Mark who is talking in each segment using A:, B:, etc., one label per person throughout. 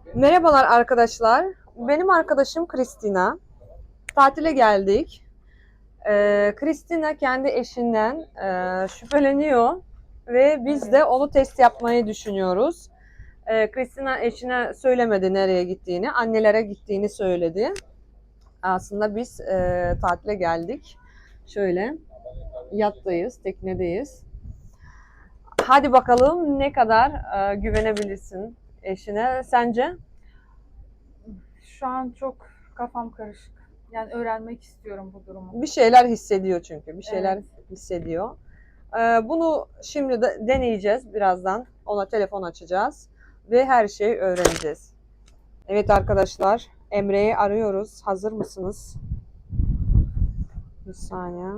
A: Merhabalar arkadaşlar. Benim arkadaşım Kristina. Tatile geldik. Kristina kendi eşinden şüpheleniyor ve biz de onu test yapmayı düşünüyoruz. Kristina eşine söylemedi nereye gittiğini, annelere gittiğini söyledi. Aslında biz tatile geldik. Şöyle yattayız, teknedeyiz. Hadi bakalım ne kadar güvenebilirsin eşine sence?
B: Şu an çok kafam karışık. Yani öğrenmek istiyorum bu durumu.
A: Bir şeyler hissediyor çünkü. Bir şeyler
B: Evet.
A: hissediyor. Bunu şimdi de deneyeceğiz birazdan. Ona telefon açacağız ve her şeyi öğreneceğiz. Evet arkadaşlar, Emre'yi arıyoruz. Hazır mısınız? Bir saniye.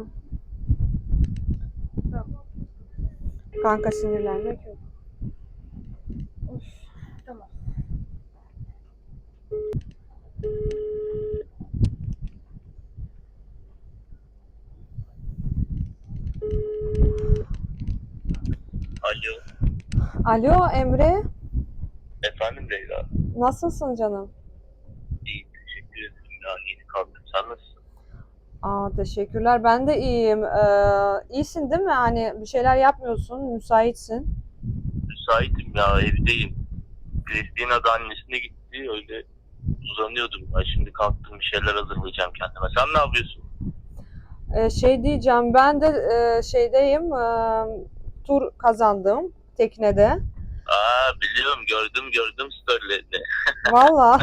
B: Tamam.
A: Kanka sinirlenmek yok.
B: Of, tamam.
C: Alo,
A: Alo Emre,
C: efendim Leyla.
A: nasılsın canım?
C: İyi, teşekkür ederim ya. Yeni kalktım. Sen nasılsın?
A: Teşekkürler. Ben de iyiyim. İyisin değil mi? Hani bir şeyler yapmıyorsun, müsaitsin.
C: Müsaitim ya, evdeyim. Kristina da annesine gitti. Öyle uzanıyordum. Ben şimdi kalktım, bir şeyler hazırlayacağım kendime. Sen ne yapıyorsun?
A: Şey diyeceğim, ben de şeydeyim, tur kazandım teknede.
C: Biliyorum, gördüm storylerini.
A: Valla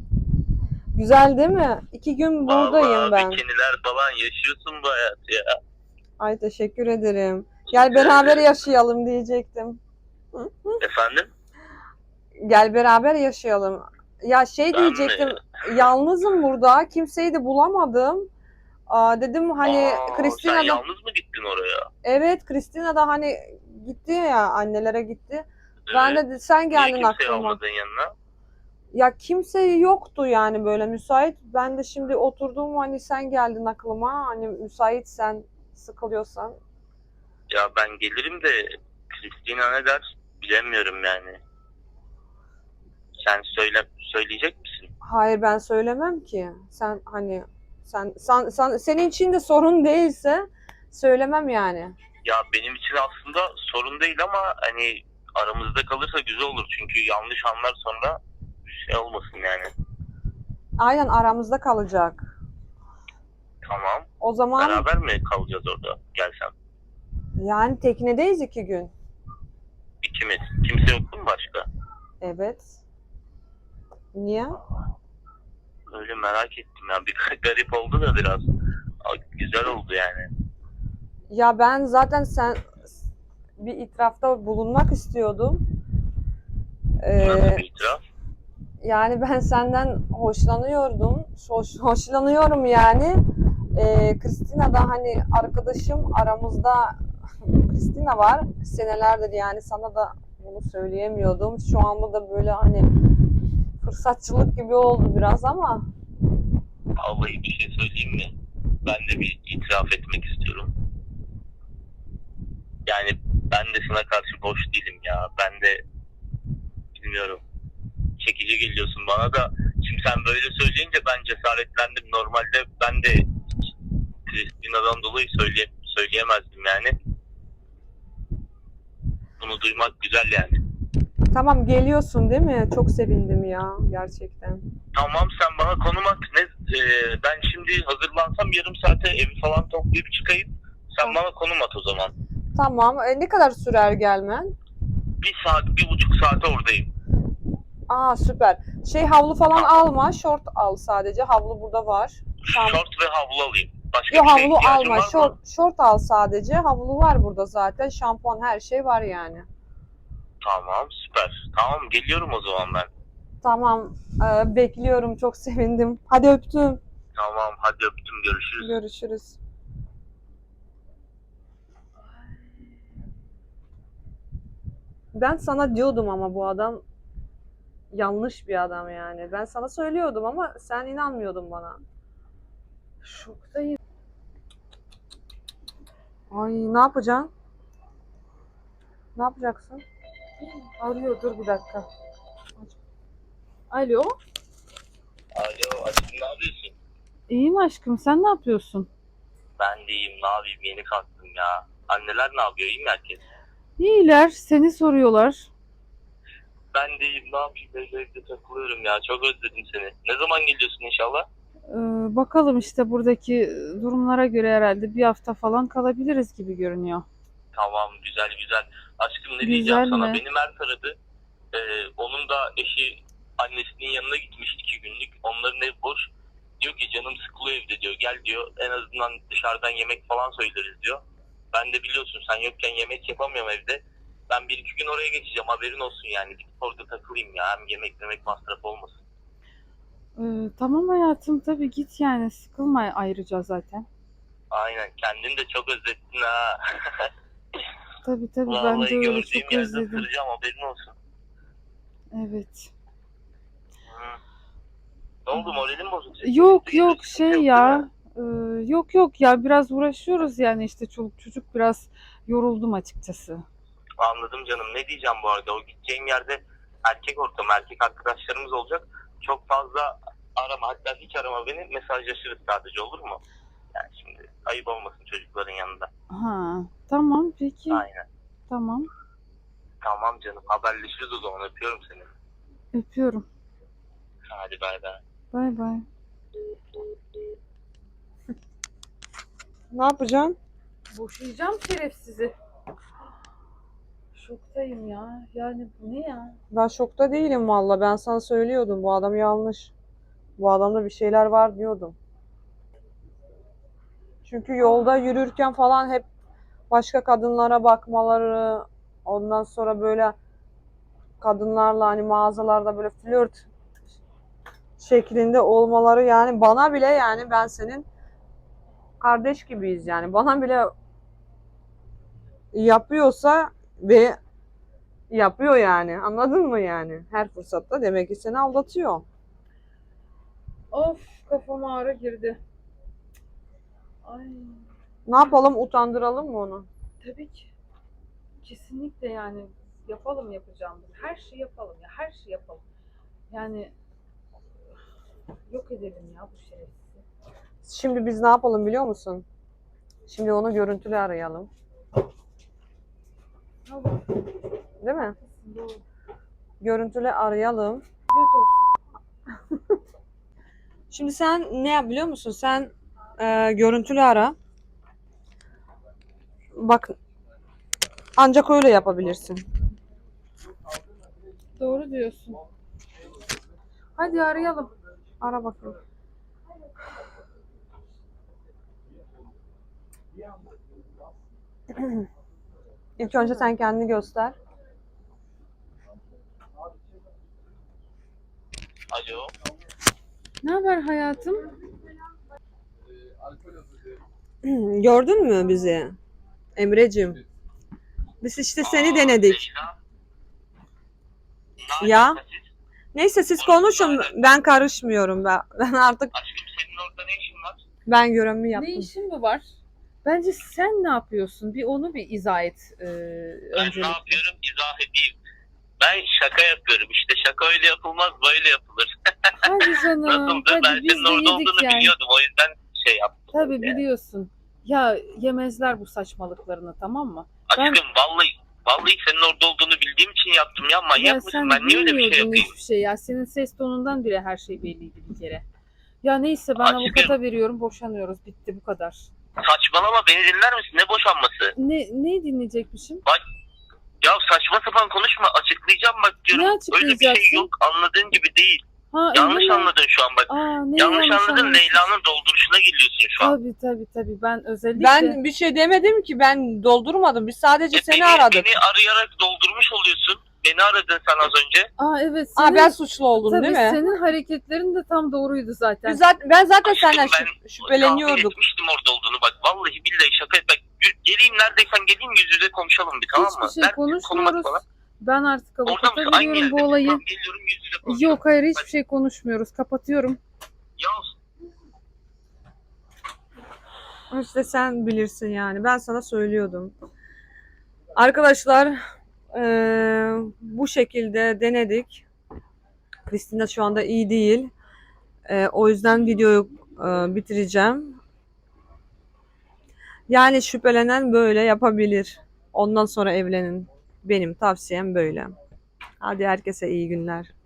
A: güzel değil mi? 2 gün buradayım
C: Vallahi
A: ben.
C: bikiniler falan yaşıyorsun bu hayatı ya.
A: Ay teşekkür ederim. Gel beraber yaşayalım diyecektim.
C: Efendim?
A: Gel beraber yaşayalım. Ya şey
C: Ben mi?
A: diyecektim, yalnızım burada, kimseyi de bulamadım. Dedim hani
C: Sen
A: Kristina da,
C: yalnız mı gittin oraya?
A: evet Kristina da hani gitti ya annelere gitti. Ben
C: Evet.
A: de sen
C: Niye
A: geldin
C: kimseyi
A: aklıma.
C: almadın yanına?
A: Ya kimse yoktu yani böyle müsait. Ben de şimdi oturdum hani sen geldin aklıma. Hani müsaitsen, sıkılıyorsan.
C: Ya ben gelirim de Kristina ne der bilemiyorum yani. Sen söyleyecek misin?
A: Hayır ben söylemem ki. Sen hani senin için de sorun değilse söylemem yani.
C: Ya benim için aslında sorun değil ama hani aramızda kalırsa güzel olur. Çünkü yanlış anlar sonra şey olmasın yani.
A: Aynen aramızda kalacak.
C: Tamam.
A: O zaman
C: Beraber mi kalacağız orada gelsem?
A: yani teknedeyiz 2 gün.
C: İkimiz. Kimse yok mu başka?
A: Evet. Niye?
C: Öyle merak ettim ya. Bir garip oldu da biraz. Güzel oldu yani.
A: Ya ben zaten bir itirafta bulunmak istiyordum.
C: Nasıl
A: Ee,
C: bir itiraf?
A: Yani ben senden hoşlanıyordum. Hoşlanıyorum yani. Kristina da hani arkadaşım aramızda Kristina var. Senelerdir yani sana da bunu söyleyemiyordum. Şu anda da böyle hani fırsatçılık gibi oldu biraz ama
C: Vallahi bir şey söyleyeyim mi? Ben de bir itiraf etmek istiyorum. Yani ben de sana karşı boş değilim ya. Ben de bilmiyorum. Çekici geliyorsun bana da. Şimdi sen böyle söyleyince ben cesaretlendim. Normalde ben de Kristina'dan dolayı söyleyemezdim yani. Bunu duymak güzel yani.
A: tamam geliyorsun değil mi? Çok sevindim ya gerçekten.
C: Tamam sen bana konum at. Ben şimdi hazırlansam yarım saate evi falan toplayıp çıkayım. Sen bana konum at o zaman.
A: Tamam. Ne kadar sürer gelmen?
C: 1 saat, 1,5 saate oradayım.
A: Süper. Havlu falan
C: Tamam.
A: alma. Şort al sadece. Havlu burada var.
C: Şort ve havlu alayım. Başka
A: Yok
C: bir şeye
A: havlu
C: ihtiyacın
A: alma.
C: var mı?
A: Şort al sadece. Havlu var burada zaten. Şampuan her şey var yani.
C: Tamam süper. Tamam geliyorum o zaman ben.
A: Tamam. Bekliyorum. Çok sevindim. Hadi öptüm.
C: Tamam hadi öptüm görüşürüz.
A: Görüşürüz. Ben sana diyordum ama bu adam yanlış bir adam yani. Ben sana söylüyordum ama sen inanmıyordun bana.
B: Şoktayım.
A: Ay ne yapacaksın? Ne yapacaksın?
B: Arıyor, dur bir dakika. Alo.
C: Alo aşkım ne yapıyorsun?
B: İyiyim aşkım. Sen ne yapıyorsun?
C: Ben de iyiyim ne yapayım yeni kalktım ya. Anneler ne yapıyor iyi mi herkes?
B: İyiler. Seni soruyorlar.
C: Ben de iyiyim ne yapayım böyle evde takılıyorum ya çok özledim seni. Ne zaman geliyorsun inşallah?
B: Bakalım işte buradaki durumlara göre herhalde bir hafta falan kalabiliriz gibi görünüyor.
C: Tamam güzel güzel. Aşkım ne
B: Güzel
C: diyeceğim sana
B: mi?
C: beni Mert aradı. Onun da eşi annesinin yanına gitmiş 2 günlük. Onların ev boş. Diyor ki canım sıkılıyor evde diyor. Gel diyor en azından dışarıdan yemek falan söyleriz diyor. Ben de biliyorsun sen yokken yemek yapamıyorum evde. Ben 1-2 gün oraya geçeceğim haberin olsun yani. Gidip orada takılayım ya. Hem yemek masraf olmasın.
B: Tamam hayatım tabii git yani sıkılma ayrıca zaten.
C: Aynen kendini de çok özlettin ha.
B: Tabii ben
C: Vallahi
B: de öyle
C: gördüğüm
B: çok
C: yerde
B: özledim.
C: ısıracağım haberin olsun.
B: Evet.
C: Hı. Ne oldu moralin bozuk senin?
B: Yok
C: Sıkıntı yok
B: şey
C: değil
B: ya.
C: mi?
B: Yok ya biraz uğraşıyoruz yani işte çoluk çocuk biraz yoruldum açıkçası.
C: Anladım canım. Ne diyeceğim bu arada? O gideceğim yerde erkek ortamı, erkek arkadaşlarımız olacak. Çok fazla arama, hatta hiç arama beni. Mesajlaşırız sadece olur mu? Yani şimdi ayıp olmasın çocukların yanında.
B: Ha, tamam peki.
C: Aynen.
B: Tamam.
C: Tamam canım. Haberleşiriz o zaman. Öpüyorum seni.
B: Öpüyorum.
C: Hadi bay bay.
B: Bay bay.
A: Ne yapacaksın?
B: Boşayacağım şerefsizi. Şoktayım ya. Yani bu ne ya?
A: Ben şokta değilim valla. Ben sana söylüyordum. Bu adam yanlış. Bu adamda bir şeyler var diyordum. Çünkü yolda yürürken falan hep başka kadınlara bakmaları, ondan sonra böyle kadınlarla hani mağazalarda böyle flört şeklinde olmaları yani bana bile yani ben senin kardeş gibiyiz yani bana bile yapıyorsa ve yapıyor yani anladın mı yani her fırsatta demek ki seni aldatıyor.
B: Of kafama ağrı girdi. Ay
A: Ne yapalım utandıralım mı onu?
B: tabii ki. Kesinlikle yani yapalım yapacağımız. Her şeyi yapalım ya. Her şeyi yapalım. Yani yok edelim ya bu şerefsizi.
A: Şimdi biz ne yapalım biliyor musun? Şimdi onu görüntülü arayalım.
B: Allah
A: Değil mi?
B: doğru.
A: Görüntülü arayalım.
B: Göt olsun.
A: Şimdi sen ne yap biliyor musun? Sen görüntülü ara. Bak ancak öyle yapabilirsin.
B: Doğru diyorsun. Hadi arayalım.
A: Ara bakalım. İlk önce sen kendini göster.
C: Alo.
B: Ne haber hayatım?
A: Gördün mü bizi? Emreciğim. Biz işte seni denedik.
C: Leyla. Ne
A: Ya.
C: alaka siz?
A: Neyse siz konuşun. Ben karışmıyorum. Ben artık
C: Aşkım senin orada ne işin var?
A: ben görevimi
B: Ne
A: yaptım.
B: işin mi var? Bence sen ne yapıyorsun? Bir onu bir izah et
C: Ben
B: öncelikle.
C: ne yapıyorum izah edeyim. Ben şaka yapıyorum. İşte şaka öyle yapılmaz böyle yapılır.
B: Hadi canım.
C: Nasıldı?
B: Hadi
C: Ben
B: biz
C: senin
B: de
C: orada
B: yedik
C: olduğunu
B: yani.
C: biliyordum. O yüzden şey yaptım.
B: Tabii
C: Yani.
B: biliyorsun. Ya yemezler bu saçmalıklarını tamam mı?
C: Aşkım vallahi senin orada olduğunu bildiğim için yaptım ya. Manyak
B: Ya
C: mısın?
B: sen
C: Ben niye öyle bir şey
B: bilmiyordun
C: yapayım?
B: hiçbir şey ya. Senin ses tonundan bile her şey belliydi bir kere. Ya neyse ben
C: Aşkım.
B: avukata veriyorum. Boşanıyoruz. Bitti bu kadar.
C: Saçmalama beni dinler misin? Ne boşanması?
B: Ne dinleyecekmişim?
C: Ya saçma sapan konuşma. Açıklayacağım bak diyorum.
B: Ne
C: Öyle bir şey
B: açıklayacaksın?
C: yok. Anladığın gibi değil.
B: Ha,
C: Yanlış
B: öyle mi?
C: anladın şu an bak.
B: Neyi
C: Yanlış anladın.
B: anladın?
C: Leyla'nın dolduruşuna geliyorsun şu an.
B: Tabii. Ben özellikle...
A: Ben bir şey demedim ki. Ben doldurmadım. Biz sadece seni aradık.
C: Beni arayarak doldurmuş oluyorsun. Beni aradın sen az önce.
B: Evet senin...
A: Ben suçlu oldum
B: Tabii
A: değil mi?
B: senin hareketlerin de tam doğruydu zaten.
A: Ben zaten
C: Aşkım,
A: senden
C: tahmin
A: şüpheleniyordum.
C: etmiştim orada olduğunu bak. Vallahi billahi şaka et. Bak geleyim neredeysen geleyim yüz yüze konuşalım bir tamam mı?
B: Hiçbir şey
C: Ver, konum at
B: konuşmuyoruz.
C: bana.
B: Ben artık
C: Orada
B: avukata
C: mısın? Aynı
B: veriyorum
C: yerde.
B: bu olayı.
C: Tamam, geliyorum yüz yüze konuşalım.
B: Yok hayır hiçbir şey konuşmuyoruz. Kapatıyorum.
C: Ya
A: İşte sen bilirsin yani. Ben sana söylüyordum. Arkadaşlar bu şekilde denedik. Christina şu anda iyi değil. O yüzden videoyu bitireceğim. Yani şüphelenen böyle yapabilir. Ondan sonra evlenin. Benim tavsiyem böyle. Hadi herkese iyi günler.